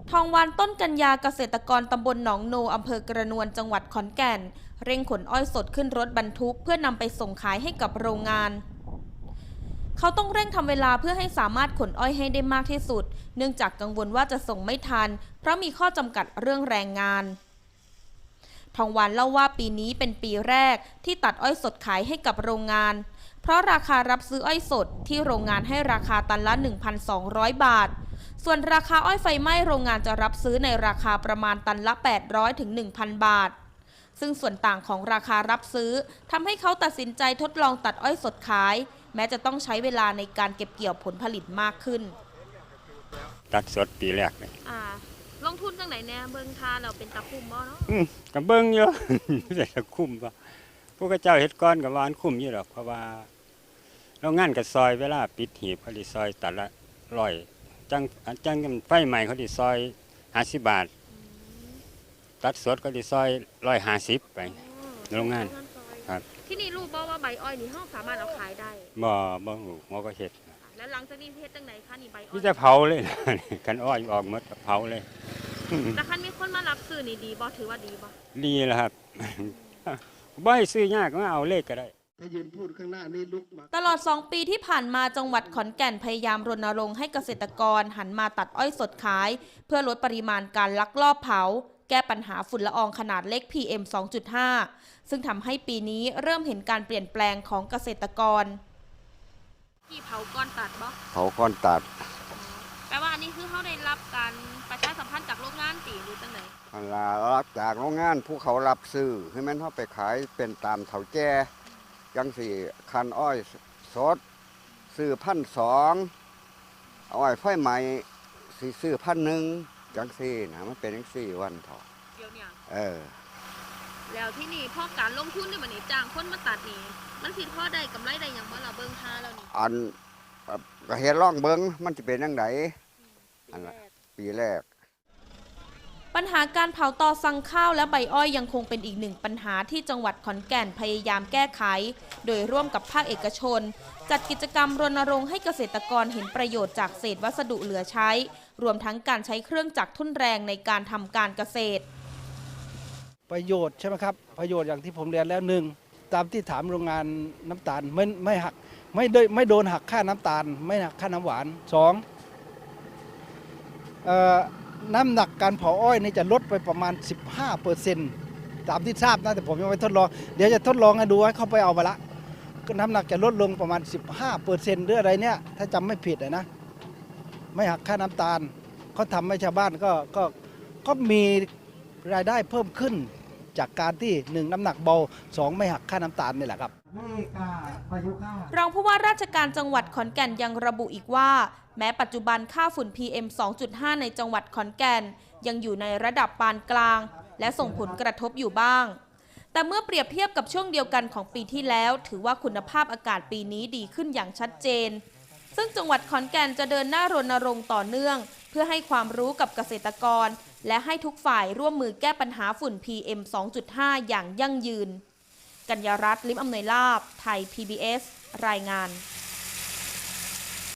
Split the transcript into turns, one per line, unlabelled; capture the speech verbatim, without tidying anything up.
ทองวันต้นกัญญาเกษตรกรตำบลหนองโนอำเภอกระนวนจังหวัดขอนแก่นเร่งขนอ้อยสดขึ้นรถบรรทุกเพื่อนำไปส่งขายให้กับโรงงานเขาต้องเร่งทำเวลาเพื่อให้สามารถขนอ้อยให้ได้มากที่สุดเนื่องจากกังวลว่าจะส่งไม่ทันเพราะมีข้อจำกัดเรื่องแรงงานทองวันเล่าว่าปีนี้เป็นปีแรกที่ตัดอ้อยสดขายให้กับโรงงานเพราะราคารับซื้ออ้อยสดที่โรงงานให้ราคาตันละ หนึ่งพันสองร้อย บาทส่วนราคาอ้อยไฟไหม้โรงงานจะรับซื้อในราคาประมาณตันละ แปดร้อยถึงหนึ่งพัน บาทซึ่งส่วนต่างของราคารับซื้อทำให้เขาตัดสินใจทดลองตัดอ้อยสดขายแม้จะต้องใช้เวลาในการเก็บเกี่ยวผลผลิตมากขึ้น
ตัดสดปีแรกเลย
อ่าลงทุนจังไหนแน่เบิ้งทาเราเป็นตะคุ่มบ่เนาะ
อืมกับเบิ้งเยอะ แต่ตะคุ่มป่ะพวกเจ้าเฮ็ดก้อนกับวานคุ้มอยู่หรอกเพราะว่าเรางานกับซอยเวลาปิดหีบเขาดิซอยตัดละร้อยจังจังไฟใหม่เขาดิซอยห้าสิบบาทตัดสดเขาดิซอยร้อยห้าสิบไปโรงงานครับ
ที่นี่รู้บ่ว่าใบอ้อยนี่ห้องสามารถเอาขายได้
บ่บ่รู้หมอก็เฮ็ด
แล้วหลังจากนี้เฮ็ดจังไหนคะนี่ใบอ้อย
นี่จะเผาเลยกันอ้อยออกหมดเผาเลย
แต่คันมีคนมารับซื้อนี่ดีบ่ถือว่าดีบ่
ดีแล้วครับบ่ให้ซื้อยากก็เอาเลขก็ได้
ตลอดสองปีที่ผ่านมาจังหวัดขอนแก่นพยายามรณรงค์ให้เกษตรกรหันมาตัดอ้อยสดขายเพื่อลดปริมาณการลักลอบเผาแก้ปัญหาฝุ่นละอองขนาดเล็ก พี เอ็ม สองจุดห้า ซึ่งทำให้ปีนี้เริ่มเห็นการเปลี่ยนแปลงของเกษตรกรที่เผาก้อนตัดบ่
เผาก้อนตัด
แปลว่าอันนี้คือเขาได้รับการประชาสัมพันธ์จากโรงงานตีหรือจังไหน
อันลารับจากโรงงานผู้เขารับซื้อคือแม่นเขาไปขายเป็นตามเถาแก่ยังสี่คันอ้อยสดซื้อพันสองอ้อยไฟใหม่สี่ซื้อพันหนึ่งจังสี่นะมันเป็นจังสี่วันเถา
เดี๋ยวเนี่ย
เออ
แล้วที่นี่พอการลงทุนนี่มันนี่จ้างคนมาตัดนี่มันสิพอได้กำไรได้อย่างบ่ล่ะเบิ่งท่าแล้วนี่
อันก็เฮ็ดร่องเบิ่งมันจะเป็นจังไดอันปีแรก
ปัญหาการเผาตอสั่งข้าวและใบอ้อยยังคงเป็นอีกหนึ่งปัญหาที่จังหวัดขอนแก่นพยายามแก้ไขโดยร่วมกับภาคเอกชนจัดกิจกรรมรณรงค์ให้เกษตรกรเห็นประโยชน์จากเศษวัสดุเหลือใช้รวมทั้งการใช้เครื่องจักรทุ่นแรงในการทำการเกษตร
ประโยชน์ใช่ไหมครับประโยชน์อย่างที่ผมเรียนแล้วหนึ่งตามที่ถามโรงงานน้ำตาลไม่ไม่หักไม่โดยไม่โดนหักค่าน้ำตาลไม่หักค่าน้ำหวานสองเอ่อน้ำหนักการเผาอ้อยนี่จะลดไปประมาณ สิบห้าเปอร์เซ็นต์ ตามที่ทราบนะแต่ผมยังไม่ทดลองเดี๋ยวจะทดลองให้ดูให้เข้าไปเอามาละน้ำหนักจะลดลงประมาณ สิบห้าเปอร์เซ็นต์ หรืออะไรเนี่ยถ้าจำไม่ผิดนะไม่หักค่าน้ำตาลเขาทำให้ชาวบ้านก็ก็ก็มีรายได้เพิ่มขึ้นจากการที่หนึ่งน้ำหนักเบาสองไม่หักค่าน้ำตาลนี่แหละครับ
รองผู้ว่าราชการจังหวัดขอนแก่นยังระบุอีกว่าแม้ปัจจุบันค่าฝุ่น พี เอ็ม สองจุดห้า ในจังหวัดขอนแก่นยังอยู่ในระดับปานกลางและส่งผลกระทบอยู่บ้างแต่เมื่อเปรียบเทียบกับช่วงเดียวกันของปีที่แล้วถือว่าคุณภาพอากาศปีนี้ดีขึ้นอย่างชัดเจนซึ่งจังหวัดขอนแก่นจะเดินหน้ารณรงค์ต่อเนื่องเพื่อให้ความรู้กับเกษตรกรและให้ทุกฝ่ายร่วมมือแก้ปัญหาฝุ่น พี เอ็ม สองจุดห้า อย่างยั่งยืนกัญญารัตน์ ลิ้มอำนวยลาภไทย พี บี เอส รายงาน